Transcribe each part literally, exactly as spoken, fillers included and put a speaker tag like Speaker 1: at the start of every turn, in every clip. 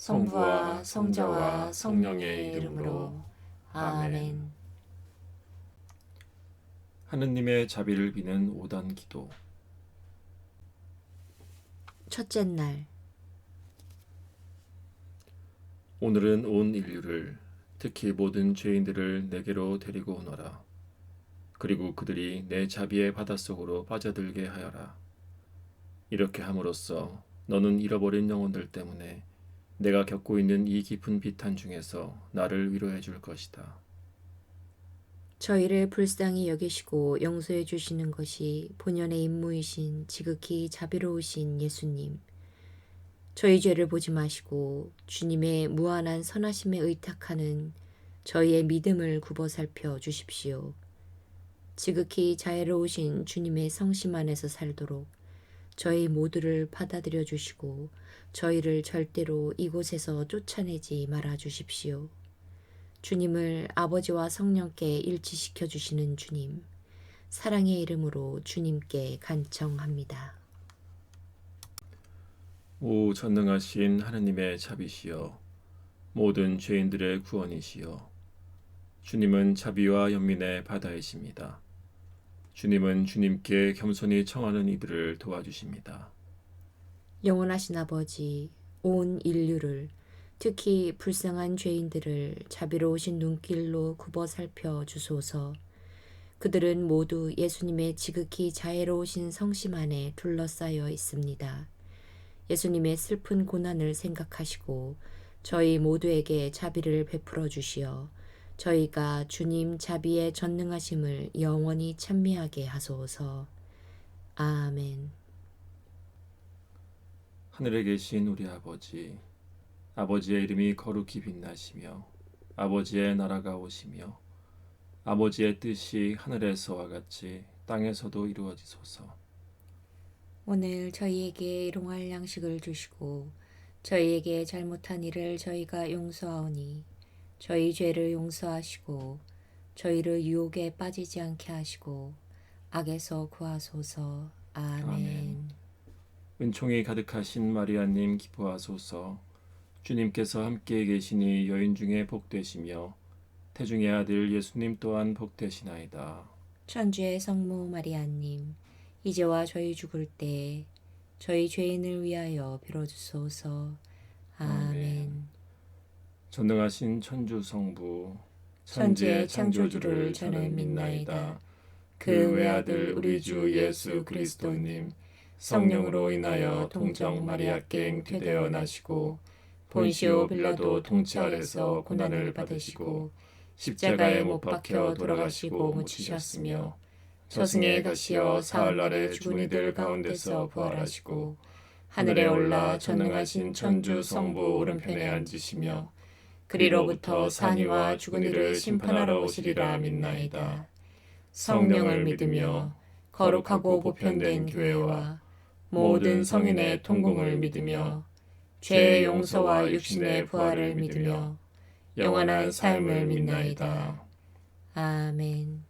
Speaker 1: 성부와 성자와 성령의 이름으로 아멘.
Speaker 2: 하느님의 자비를 비는 오단 기도.
Speaker 1: 첫째 날,
Speaker 2: 오늘은 온 인류를, 특히 모든 죄인들을 내게로 데리고 오너라. 그리고 그들이 내 자비의 바닷속으로 빠져들게 하여라. 이렇게 함으로써 너는 잃어버린 영혼들 때문에 내가 겪고 있는 이 깊은 비탄 중에서 나를 위로해 줄 것이다.
Speaker 1: 저희를 불쌍히 여기시고 용서해 주시는 것이 본연의 임무이신 지극히 자비로우신 예수님. 저희 죄를 보지 마시고 주님의 무한한 선하심에 의탁하는 저희의 믿음을 굽어 살펴 주십시오. 지극히 자애로우신 주님의 성심 안에서 살도록 저희 모두를 받아들여 주시고 저희를 절대로 이곳에서 쫓아내지 말아 주십시오. 주님을 아버지와 성령께 일치시켜 주시는 주님, 사랑의 이름으로 주님께 간청합니다.
Speaker 2: 오 전능하신 하느님의 자비시여, 모든 죄인들의 구원이시여, 주님은 자비와 연민의 바다이십니다. 주님은 주님께 겸손히 청하는 이들을 도와주십니다.
Speaker 1: 영원하신 아버지, 온 인류를, 특히 불쌍한 죄인들을 자비로우신 눈길로 굽어 살펴 주소서. 그들은 모두 예수님의 지극히 자애로우신 성심 안에 둘러싸여 있습니다. 예수님의 슬픈 고난을 생각하시고 저희 모두에게 자비를 베풀어 주시어 저희가 주님 자비의 전능하심을 영원히 찬미하게 하소서. 아멘.
Speaker 2: 하늘에 계신 우리 아버지, 아버지의 이름이 거룩히 빛나시며 아버지의 나라가 오시며 아버지의 뜻이 하늘에서와 같이 땅에서도 이루어지소서.
Speaker 1: 오늘 저희에게 일용할 양식을 주시고 저희에게 잘못한 일을 저희가 용서하오니 저희 죄를 용서하시고 저희를 유혹에 빠지지 않게 하시고 악에서 구하소서. 아멘.
Speaker 2: 아멘. 은총이 가득하신 마리아님 기뻐하소서. 주님께서 함께 계시니 여인 중에 복되시며 태중의 아들 예수님 또한 복되시나이다.
Speaker 1: 천주의 성모 마리아님, 이제와 저희 죽을 때 저희 죄인을 위하여 빌어주소서. 아멘.
Speaker 2: 아멘. 전능하신 천주 성부,
Speaker 1: 천지의 창조주를 저는 믿나이다. 그 외아들 우리 주 예수 그리스도님, 성령으로 인하여 동정 마리아께 잉태되어 나시고 본시오 빌라도 통치 아래서 고난을 받으시고 십자가에 못 박혀 돌아가시고 묻히셨으며 저승에 가시어 사흘날에 죽은 이들 가운데서 부활하시고 하늘에 올라 전능하신 천주 성부 오른편에 앉으시며 그리로부터 산이와 죽은 이를 심판하러 오시리라 믿나이다. 성령을 믿으며 거룩하고 보편된 교회와 모든 성인의 통공을 믿으며 죄의 용서와 육신의 부활을 믿으며 영원한 삶을 믿나이다. 아멘.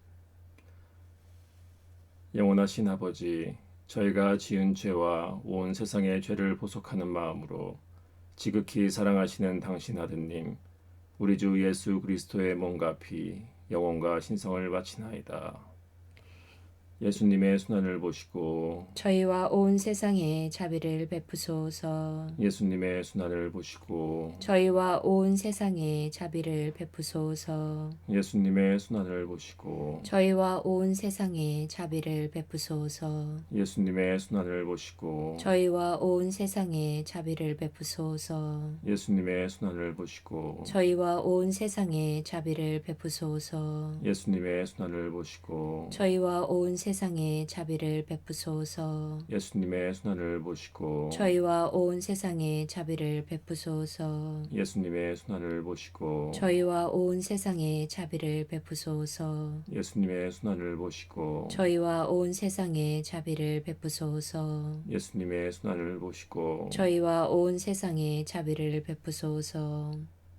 Speaker 2: 영원하신 아버지, 저희가 지은 죄와 온 세상의 죄를 보속하는 마음으로 지극히 사랑하시는 당신 아드님 우리 주 예수 그리스도의 몸과 피, 영혼과 신성을 바치나이다. 예수님의 순환을 보시고
Speaker 1: 저희와 온 세상에 자비를 베푸소서.
Speaker 2: 예수님의 순환을 보시고
Speaker 1: 저희와 온 세상에 자비를 베푸소서.
Speaker 2: 예수님의 순환을 보시고
Speaker 1: 저희와 온 세상에 자비를 베푸소서.
Speaker 2: 예수님의 순환을 보시고
Speaker 1: 저희와 온 세상에 자비를 베푸소서.
Speaker 2: 예수님의 순환을 보시고
Speaker 1: 저희와 온 세상에 자비를 베푸소서.
Speaker 2: 예수님의 순환을 보시고
Speaker 1: 저희와 온 세상에 자비를 베푸소서.
Speaker 2: 예수님의 순환을 보시고
Speaker 1: 저희와 온 세상에 자비를 베푸소서.
Speaker 2: 예수님의 순환을 보시고
Speaker 1: 저희와 온 세상에 자비를 베푸소서.
Speaker 2: 예수님의 순환을 보시고
Speaker 1: 저희와 온 세상에 자비를 베푸소서.
Speaker 2: 예수님의 순환을 보시고
Speaker 1: 저희와 온 세상에 자비를 베푸소서.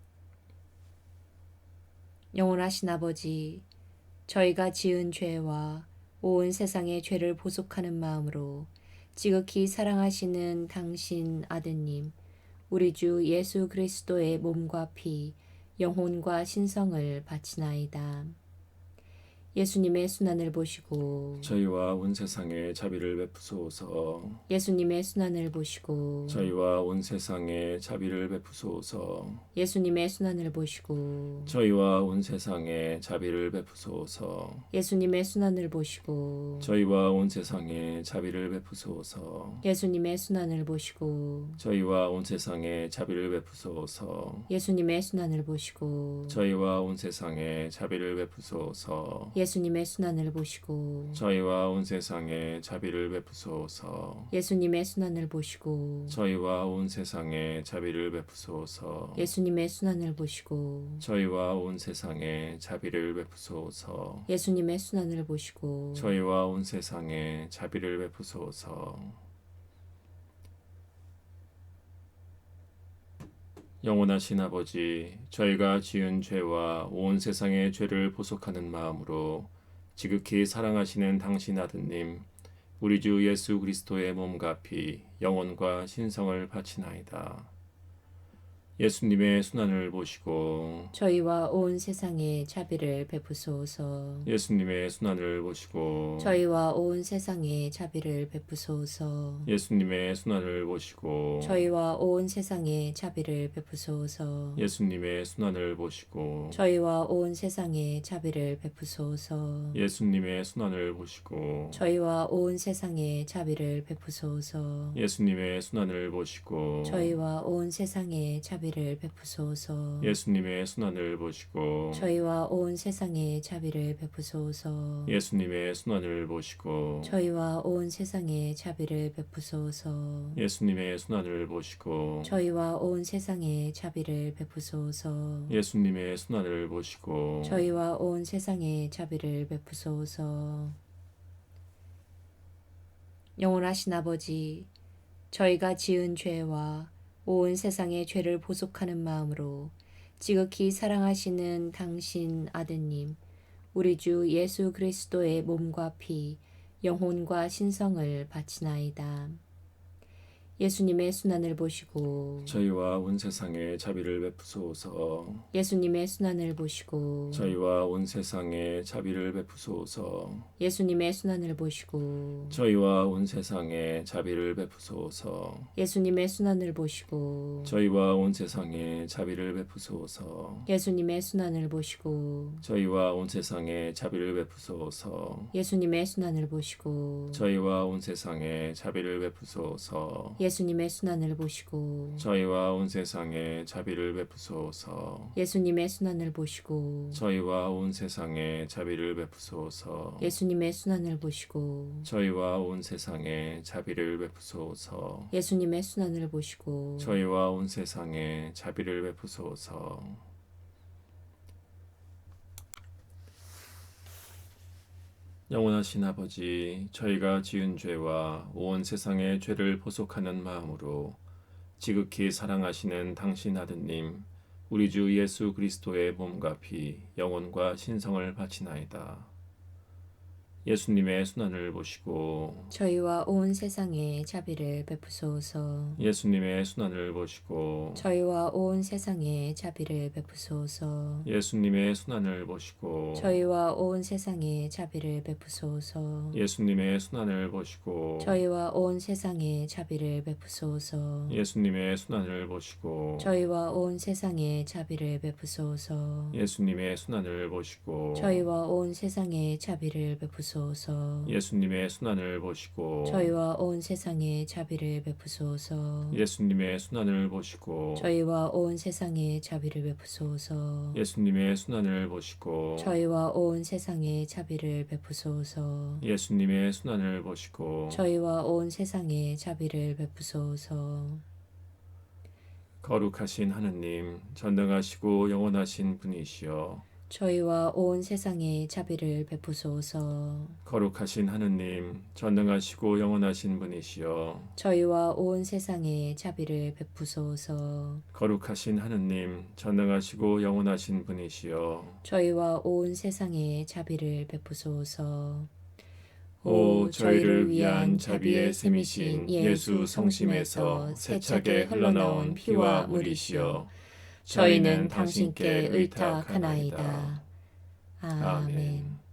Speaker 1: 영원하신 아버지, 저희가 지은 죄와 온 세상의 죄를 보속하는 마음으로 지극히 사랑하시는 당신 아드님 우리 주 예수 그리스도의 몸과 피, 영혼과 신성을 바치나이다. 예수님의 순환을 보시고
Speaker 2: 저희와 온 세상에 자비를 베푸소서.
Speaker 1: 예수님의 순환을 보시고
Speaker 2: 저희와 온 세상에 자비를 베푸소서.
Speaker 1: 예수님의 순환을 보시고
Speaker 2: 저희와 온 세상에 자비를 베푸소서.
Speaker 1: 예수님의 순환을 보시고
Speaker 2: 저희와 온 세상에 자비를 베푸소서.
Speaker 1: 예수님의 순환을 보시고
Speaker 2: 저희와 온 세상에 자비를 베푸소서.
Speaker 1: 예수님의 순환을 보시고
Speaker 2: 저희와 온 세상에 자비를 베푸소서.
Speaker 1: 예수님의 순환을 보시고
Speaker 2: 저희와 온 세상에 자비를 베푸소서.
Speaker 1: 예수님의 순환을 보시고
Speaker 2: 저희와 온 세상에 자비를 베푸소서.
Speaker 1: 예수님의 순환을 보시고
Speaker 2: 저희와 온 세상에 자비를 베푸소서.
Speaker 1: 예수님의 순환을 보시고
Speaker 2: 저희와 온 세상에 자비를 베푸소서. 영원하신 아버지, 저희가 지은 죄와 온 세상의 죄를 보속하는 마음으로 지극히 사랑하시는 당신 아드님, 우리 주 예수 그리스도의 몸과 피, 영혼과 신성을 바치나이다. 예수님의 순환을 보시고
Speaker 1: 저희와 온 세상에 자비를 베푸소서.
Speaker 2: 예수님의 순환을 보시고
Speaker 1: 저희와 온 세상에 자비를 베푸소서.
Speaker 2: 예수님의 순환을 보시고
Speaker 1: 저희와 온 세상에 자비를 베푸소서.
Speaker 2: 예수님의 순환을 보시고
Speaker 1: 저희와 온 세상에 자비를 베푸소서.
Speaker 2: 예수님의 순환을 보시고
Speaker 1: 저희와 온 세상에 자비를 베푸소서.
Speaker 2: 예수님의 순환을 보시고
Speaker 1: 저희와 온 세상에 자비를 베푸소서.
Speaker 2: 예수님의 순환을 보시고
Speaker 1: 저희와 온 세상에 자비를 베푸소서.
Speaker 2: 예수님의 순환을 보시고
Speaker 1: 저희와 온 세상에 자비를 베푸소서.
Speaker 2: 예수님의 순환을 보시고
Speaker 1: 저희와 온 세상에 자비를 베푸소서.
Speaker 2: 예수님의 순환을 보시고
Speaker 1: 저희와 온 세상에 자비를 베푸소서. 영원하신 아버지, 저희가 지은 죄와 온 세상의 죄를 보속하는 마음으로 지극히 사랑하시는 당신 아드님, 우리 주 예수 그리스도의 몸과 피, 영혼과 신성을 바치나이다. 예수님의 순환을 보시고
Speaker 2: 저희와 온 세상에 자비를 베푸소서.
Speaker 1: 예수님의 순환을 보시고
Speaker 2: 저희와 온 세상에 자비를 베푸소서.
Speaker 1: 예수님의 순환을 보시고
Speaker 2: 저희와 온 세상에 자비를 베푸소서.
Speaker 1: 예수님의 순환을 보시고
Speaker 2: 저희와 온 세상에 자비를 베푸소서.
Speaker 1: 예수님의 순환을 보시고
Speaker 2: 저희와 온 세상에 자비를 베푸소서.
Speaker 1: 예수님의 순환을 보시고
Speaker 2: 저희와 온 세상에 자비를 베푸소서.
Speaker 1: 예수님의 순환을 보시고
Speaker 2: 저희와 온 세상에 자비를 베푸소서.
Speaker 1: 예수님의 순환을 보시고
Speaker 2: 저희와 온 세상에 자비를 베푸소서.
Speaker 1: 예수님의 순환을 보시고
Speaker 2: 저희와 온 세상에 자비를 베푸소서.
Speaker 1: 예수님의 순환을 보시고
Speaker 2: 저희와 온 세상에 자비를 베푸소서. 영원하신 아버지, 저희가 지은 죄와 온 세상의 죄를 보속하는 마음으로 지극히 사랑하시는 당신 아드님, 우리 주 예수 그리스도의 몸과 피, 영혼과 신성을 바치나이다. 예수님의 순환을 보시고
Speaker 1: 저희와 온 세상에 자비를 베푸소서.
Speaker 2: 예수님의 순환을 보시고
Speaker 1: 저희와 온 세상에 자비를 베푸소서.
Speaker 2: 예수님의 순환을 보시고
Speaker 1: 저희와 온 세상에 자비를 베푸소서.
Speaker 2: 예수님의 순환을 보시고
Speaker 1: 저희와 온 세상에 자비를 베푸소서.
Speaker 2: 예수님의 순환을 보시고
Speaker 1: 저희와 온 세상에 자비를 베푸소서.
Speaker 2: 예수님의 순환을 보시고
Speaker 1: 저희와 온 세상에 자비를 베푸소서.
Speaker 2: 예수님의 순환을 보시고
Speaker 1: 저희와 온 세상에 자비를 베푸소서.
Speaker 2: 예수님의 순환을 보시고
Speaker 1: 저희와 온 세상에 자비를 베푸소서.
Speaker 2: 예수님의 순환을 보시고
Speaker 1: 저희와 온 세상에 자비를 베푸소서.
Speaker 2: 예수님의 순환을 보시고
Speaker 1: 저희와 온 세상에 자비를 베푸소서.
Speaker 2: 거룩하신 하느님, 전능하시고 영원하신 분이시여,
Speaker 1: 저희와 온 세상에 자비를 베푸소서.
Speaker 2: 거룩하신 하느님, 전능하시고 영원하신 분이시여,
Speaker 1: 저희와 온 세상에 자비를 베푸소서.
Speaker 2: 거룩하신 하느님, 전능하시고 영원하신 분이시여,
Speaker 1: 저희와 온 세상에 자비를 베푸소서.
Speaker 2: 오 저희를 위한 자비의 샘이신 예수 성심에서 세차게 흘러나온 피와 물이시여 저희는 당신께 의탁하나이다.
Speaker 1: 아멘.
Speaker 2: 아멘.